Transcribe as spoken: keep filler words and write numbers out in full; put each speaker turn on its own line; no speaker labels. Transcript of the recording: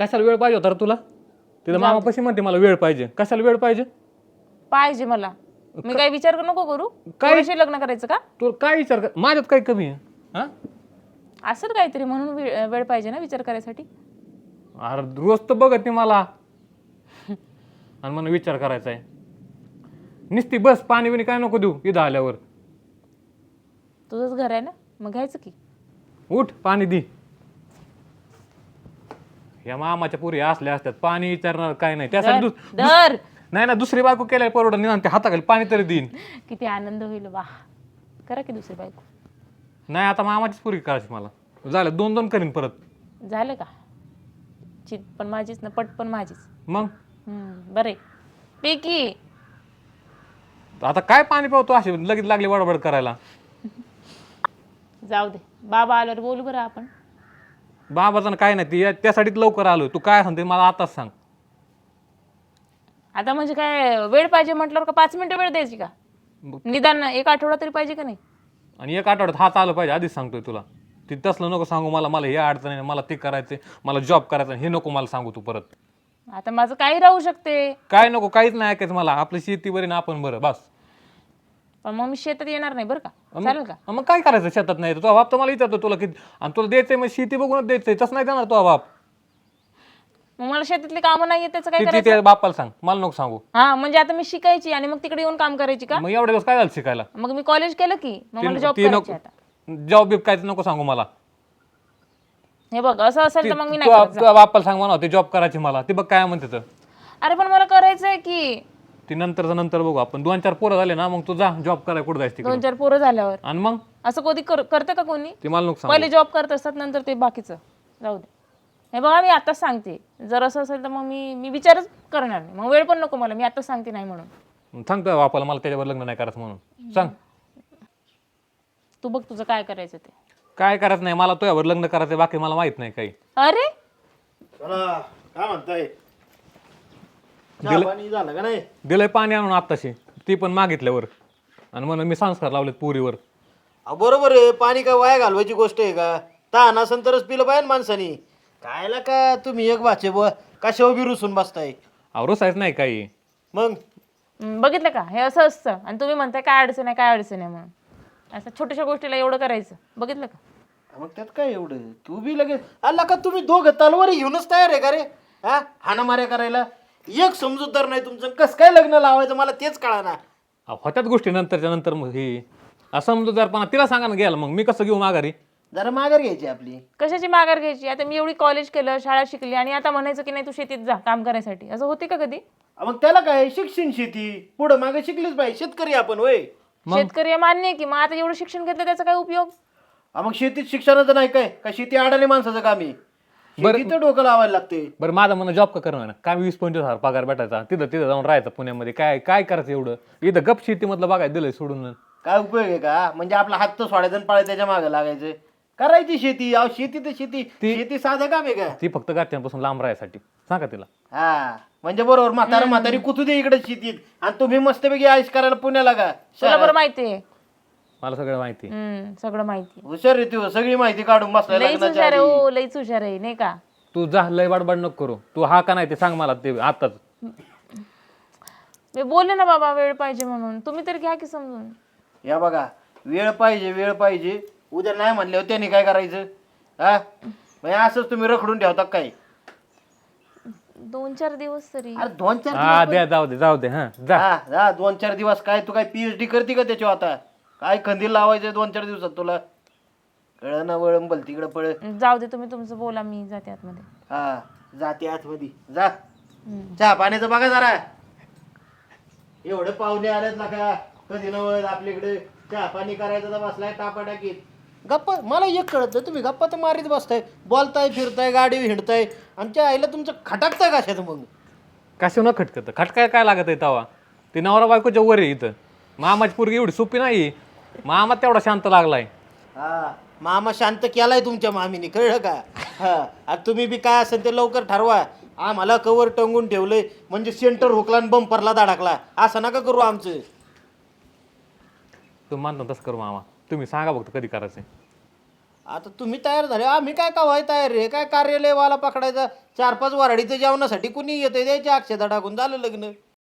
कशाला वेळ पाहिजे होता रे तुला? तिथं मामापाशी म्हणते मला वेळ पाहिजे. कशाला वेळ पाहिजे?
पाहिजे मला. मी काय विचार नको करू. काय लग्न करायचं का?
तू काय विचार कर, माझ्यात काय कमी आहे? हा
असं काहीतरी म्हणून वेळ पाहिजे ना विचार करायसाठी.
अरे रोज तर बघत नाही मला आणि मला विचार करायचा आहे. निस्ती बस पाणी बिणी काय नको देऊ इथं आल्यावर.
तुझंच घर आहे ना, मग घ्यायचं की.
उठ पाणी दे. या मामाच्या पुरी असल्या असतात पाणी विचारणार काय नाही त्यासाठी
दर
नाही ना दुसरी बायको केल्या परवडत निदान ते हाताखाली पाणी तरी देईन.
किती आनंद होईल. वा करा की दुसरी बायको.
नाही आता मामाचीच पुरी करायची मला. झालं दोन दोन करीन परत.
झालं का? चित पण माझीच ना पट पण माझीच.
मग
बरे पैकी
आता काय पाणी पावतो असे लगेच लागले बडबड करायला.
जाऊ दे बाबा आल्यावर बोलू बरं आपण.
बाबाचं काय नाही ती त्यासाठीच लवकर आलो. तू काय सांगते मला आताच सांग.
आता म्हणजे काय वेळ पाहिजे म्हटल्यावर का पाच मिनिटं वेळ द्यायची का? निदान एक आठवडा तरी पाहिजे का नाही?
आणि एक आठवड्यात हात आलं पाहिजे आधीच सांगतोय तुला. ती तसलं नको सांगू मला. मला हे अडचण आहे मला ते करायचंय मला जॉब करायचा हे नको मला सांगू तू परत.
आता माझं काही राहू शकते.
काय नको काहीच नाही ऐकायचं मला. आपली शेती बरी ना आपण बरं बस.
पण मग मी शेतात येणार नाही बरं का? चालेल का?
मग काय करायचं शेतात नाही तो बाप तर मला विचारतो तुला किती आणि तुला द्यायचंय मग शेती बघूनच द्यायचंय तसं नाही देणार तो बाप.
मग मला शेतातली कामं नाही त्याचं काय
किती
करायचं?
त्या बापाला सांग मला नको सांगू.
हा म्हणजे आता मी शिकायची आणि मग तिकडे येऊन काम करायची का?
मग एवढे दिवस काय झालं शिकायला?
मग मी कॉलेज केलं की मग मला जॉब
ती
करायची
नको
आता.
जॉब बिब काय नको सांगू मला.
हे बघ असं असेल तर मग मी नाही
तू
करत.
तुझ्या बापाला सांग म्हणा ते जॉब करायची मला. ती बघ काय म्हणते तर.
अरे पण मला करायचंय की.
ती नंतरचं नंतर बघू आपण. दोन चार पोरं झाले ना मग तू जा जॉब करायला कुठं जायचं
दोन चार पोरं झाल्यावर
आणि मग
असं कधी करतं का कोणी?
ती मला नको सांगू.
पहिले जॉब करत असतात नंतर ते बाकीचं जाऊ दे. हे बघा मी आताच सांगते जर असं असेल तर मग मी मी विचारच करणार नाही. मग वेळ पण नको मला. मी आताच सांगते नाही म्हणून.
सांग तुझ्या बापाला मला त्याच्यावर लग्न नाही करायचं म्हणून सांग.
तू बघ तुझं काय करायचं ते.
काय करायचं नाही मला तुझ्यावर लग्न करायचं बाकी मला माहित नाही काही.
अरे
चला काय म्हणताय? चहा पाणी झालं का नाही?
दिलंय पाणी आणून आत्ताशी ती पण मागितल्यावर आणि म्हणून मी संस्कार लावलेत पुरीवर.
अहो, बरोबर आहे. पाणी काय वाया घालवायची गोष्ट आहे का? तहान असेल तरच पिलं पाहिजे माणसानी. कायला का तुम्ही एक वाचे ब कशावर बी रुसून बसताय.
आवरोसायच नाही काही.
मग
हम्म, बघितलं का हे असं असतं आणि तुम्ही म्हणताय काय अडचण आहे काय अडचण आहे म्हणून. असं छोट्याशा गोष्टीला एवढं करायचं बघितलं का?
मग त्यात काय एवढं तू बी लगेच आला का तुम्ही दोघं तलवारी घेऊनच तयार आहे का रे? हा हाणामाऱ्या करायला एक समजूतदार नाही तुमचं. कसं काय लग्न लावायचं मला तेच कळाना.
होत्याच गोष्टी नंतरच्या नंतर मग ही असं म्हणतो जर पण तिला सांगा ना घ्यायला मग मी कसं घेऊ माघारी.
जरा माघार घ्यायची आपली.
कशाची माघार घ्यायची? आता मी एवढी कॉलेज केलं शाळा शिकली आणि आता म्हणायचं की नाही तू शेतीत जा काम करायसाठी. असं होते का कधी?
मग त्याला काय शिक्षण शेती पुढं मागे शिकलीच पाहिजे. शेतकरी आपण होय.
शेतकरी मान्य आहे की मग आता एवढं शिक्षण घेतलं त्याचा काय उपयोग?
हा, मग शेतीत शिक्षणाचं नाही काय का शेती अडाणी माणसाचं काम आहे. शेतीत डोकं लावायला लागते.
बरं माझं म्हणणं जॉब का करणार ना काय वीस पंचवीस हजार पगार भेटायचा तिथं तिथं जाऊन राहायचं पुण्यामध्ये काय काय करायचं एवढं. इथं गप शेतीमधलं बघायला दिलंय सोडून.
काय उपयोग आहे का? म्हणजे आपला हात तर सोडायचं आणि पाळायचं त्याच्या मागे लागायचं. करायची शेती. अहो शेती तर शेती शेती साधं काम आहे का?
ती फक्त घरच्यांपासून लांब राहायसाठी सांगा तिला.
हा म्हणजे बरोबर. म्हातारा म्हातारी कुठू दे इकडे शेतीत आणि तुम्ही मस्तपैकी आयुष करायला पुण्याला का?
तुला बरं माहिती आहे.
मला सगळं माहिती.
हम्म सगळं माहिती.
हुशार रे तू. सगळी माहिती काढून बसलाय
लईच
लग्नाच्या
हुशार आहे.
आधी.
हो लईच हुशार आहे नाही का?
तू जा लय बडबड नको करू. तू हा का नाही ते सांग मला ते आताच.
मी बोलले ना बाबा वेळ पाहिजे म्हणून. तुम्ही तरी घ्या की समजून.
या बघा वेळ पाहिजे वेळ पाहिजे. उद्या नाही म्हणल्यावर त्याने काय करायचं? हा म्हणजे असंच तुम्ही रखडून ठेवता काय?
दोन चार दिवस तरी.
अरे दोन चार
हा द्या जाऊ दे जाऊ दे हा जा.
हा हा दोन चार दिवस काय तू काय पीएचडी करते का त्याच्यावर? आता काय खंदील लावायचं दोन चार दिवसात तुला? कळ ना वळंबल बल तिकडं पळ.
जाऊ दे तुम्ही तुमचं बोला मी जाते आतमध्ये.
हा जाते आतमध्ये जा. चहा पाण्याचं बघा जरा. एवढे पाहुणे आलेत ना का कधी नवळ आपल्याकडे चहा पाणी करायचं तर बसलाय टापा टाकीत. गप्पा मला एक कळत तुम्ही गप्पा तर मारीत बसताय. बोलताय फिरताय गाडी हिंडताय आमच्या आईला तुमचं खटाकताय कशात मग?
कशा न खटकत खटकाय काय लागत आहे तवा. ती नवरा बायकोच्या वर आहे इथं. मामाची पोरगी एवढी सोपी नाही. मामा तेवढा शांत लागलाय.
हा मामा शांत केलाय तुमच्या मामीने कळलं का? हा आता तुम्ही बी काय असेल ते लवकर ठरवा. आम्हाला कवर टंगून ठेवलंय म्हणजे सेंटर हुकला आणि बंपरला धडकला असं नका करू आमचं.
तुम्ही मानतो तसं करू मामा. तुम्ही सांगा बघतो कधी करायचंय.
आता तुम्ही तयार झाले, आम्ही काय कवाय तयार रे? काय कार्यालयवाला पकडायचा, चार पाच वराडीचं जेवणासाठी कुणी येतंय, द्यायच्या अक्षता टाकून झालं लग्न.